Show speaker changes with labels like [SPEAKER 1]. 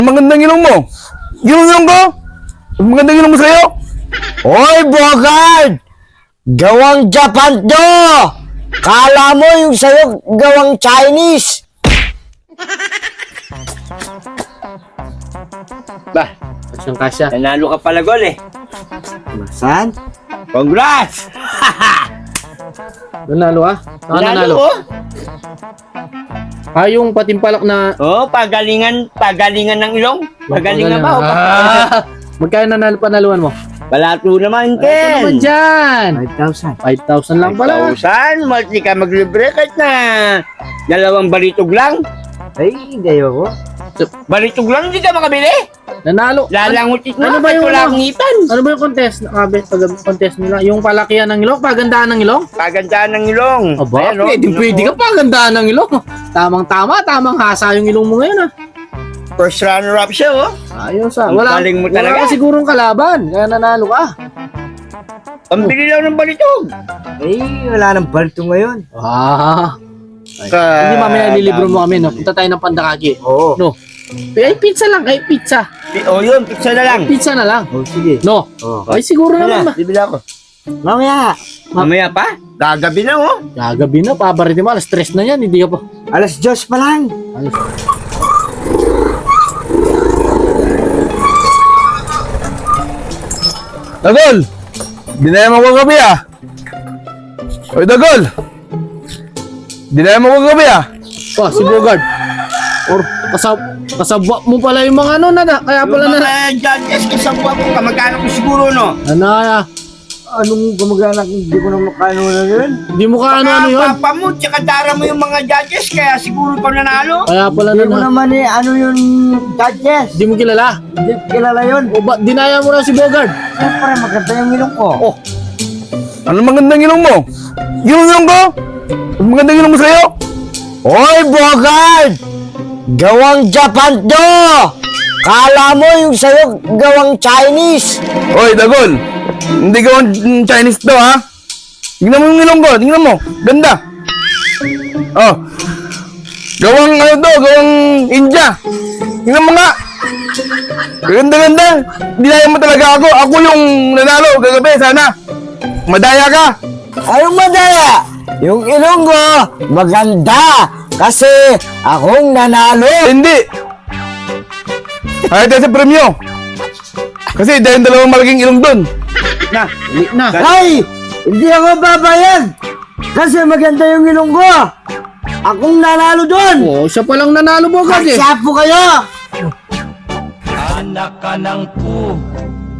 [SPEAKER 1] Magandang ilong mo. Ilong ko. Magandang ilong mo sa'yo.
[SPEAKER 2] Hoy, Bogard! Gawang Japan to! Kala mo yung sa'yo gawang Chinese!
[SPEAKER 3] Ba, kasyang kasya.
[SPEAKER 4] Nanalo ka pala gol eh.
[SPEAKER 2] Saan?
[SPEAKER 4] Congrats!
[SPEAKER 3] Nanalo ah? Saan nanalo?
[SPEAKER 4] oh.
[SPEAKER 3] Ah, yung patimpalak na...
[SPEAKER 4] Oh, pagalingan ng ilong. Pagalingan ba? O
[SPEAKER 3] Ah, magkano panaluan mo?
[SPEAKER 4] Balato naman,
[SPEAKER 3] Ito naman
[SPEAKER 4] Ken.
[SPEAKER 3] dyan!
[SPEAKER 2] 5,000.
[SPEAKER 3] 5,000 lang pala.
[SPEAKER 4] 1,000, multi ka maglibre kahit na dalawang balitog lang.
[SPEAKER 2] Ay, gayo ko.
[SPEAKER 4] Balitog lang, hindi ka makabili.
[SPEAKER 3] Nanalo.
[SPEAKER 4] Lalangutit mo,
[SPEAKER 3] Ano ba yung
[SPEAKER 4] wala
[SPEAKER 3] ano?
[SPEAKER 4] akong ngipan.
[SPEAKER 3] Ano ba yung contest? Contest nila? Yung palakihan ng ilong? Pagandaan ng ilong?
[SPEAKER 4] Pagandaan ng ilong.
[SPEAKER 3] Aba,
[SPEAKER 4] Ayan, oh,
[SPEAKER 3] pwede ka pagandaan ng ilong. Tamang-tama, tamang hasa yung ilong mo ngayon ah.
[SPEAKER 4] First runner-up siya, oh.
[SPEAKER 3] Ayos ah.
[SPEAKER 4] Ang
[SPEAKER 3] Wala,
[SPEAKER 4] galing mo
[SPEAKER 3] wala
[SPEAKER 4] talaga.
[SPEAKER 3] ka sigurong kalaban. Kaya nanalo ka.
[SPEAKER 4] Pambili lang ng balitog.
[SPEAKER 2] Ay, wala nang balto ngayon.
[SPEAKER 3] Ah. Hindi mamaya nilibro mo kami, no? Punta tayo ng Pandakagi.
[SPEAKER 2] Oo.
[SPEAKER 3] No. Ay, pizza lang. Ay, pizza.
[SPEAKER 4] Oh, yun, pizza na lang.
[SPEAKER 3] Pizza na lang.
[SPEAKER 2] Oh, sige.
[SPEAKER 3] No.
[SPEAKER 2] Oh.
[SPEAKER 3] Ay, siguro naman ba?
[SPEAKER 4] Bibili ako.
[SPEAKER 2] Mamaya,
[SPEAKER 4] Mamaya pa? Gagabi na, oh.
[SPEAKER 3] Gagabi na, pabaritin mo. Alas 3 na yan. Hindi ka pa.
[SPEAKER 2] alas 2 pa lang.
[SPEAKER 3] Alas.
[SPEAKER 1] Dagol! Dinaya mo ko gabi ah. Oy, Dagol! Dinaya mo ko gabi ah.
[SPEAKER 3] Pa, si Bogard. Or, kasabwa mo pala yung mga ano na. Kaya pala
[SPEAKER 4] Yung
[SPEAKER 3] na.
[SPEAKER 4] mga judges, kasabwa ko, kamagkano ko siguro, no?
[SPEAKER 3] Ano,
[SPEAKER 2] Anong kamag-anak? Hindi ko na makano na yun.
[SPEAKER 3] hindi mo ka ano yun.
[SPEAKER 4] Papa mo, tsaka dara mo yung mga judges, kaya siguro ikaw nanalo.
[SPEAKER 3] Kaya pala
[SPEAKER 2] Hindi ko
[SPEAKER 3] na.
[SPEAKER 2] naman ano yung judges.
[SPEAKER 3] Hindi mo kilala.
[SPEAKER 2] Hindi ko kilala yun.
[SPEAKER 3] O ba, dinaya mo na si Bogard.
[SPEAKER 2] Siyempre, maganda yung ilong ko.
[SPEAKER 3] Oh,
[SPEAKER 1] Ano magandang ilong mo? Ilong ko. Magandang ilong mo sa'yo.
[SPEAKER 2] Hoy, Bogard! Gawang Japan to! Kala mo yung sa'yo gawang Chinese!
[SPEAKER 1] Oy, Dagol. Hindi gawang Chinese to ha. Tingnan mo yung ilong ko. Tingnan mo. Ganda. Oh. Gawang ano to? Gawang India. Tingnan mo nga. Ganda-ganda. Dinaya mo talaga ako. Ako yung nanalo. Gagabi sana. Madaya ka.
[SPEAKER 2] Anong madaya? Yung ilong ko, maganda! Kasi akong nanalo!
[SPEAKER 1] Hindi. Ayaw tayo sa premyo. Kasi dahil dalawang malaking ilong dun.
[SPEAKER 4] Na,
[SPEAKER 3] na.
[SPEAKER 2] Ay! Hindi ako babayad! Kasi maganda yung ilong ko! Akong nanalo doon!
[SPEAKER 3] Oh, siya palang nanalo Bogard eh.
[SPEAKER 2] Magsapo kayo!
[SPEAKER 5] Anak ka ng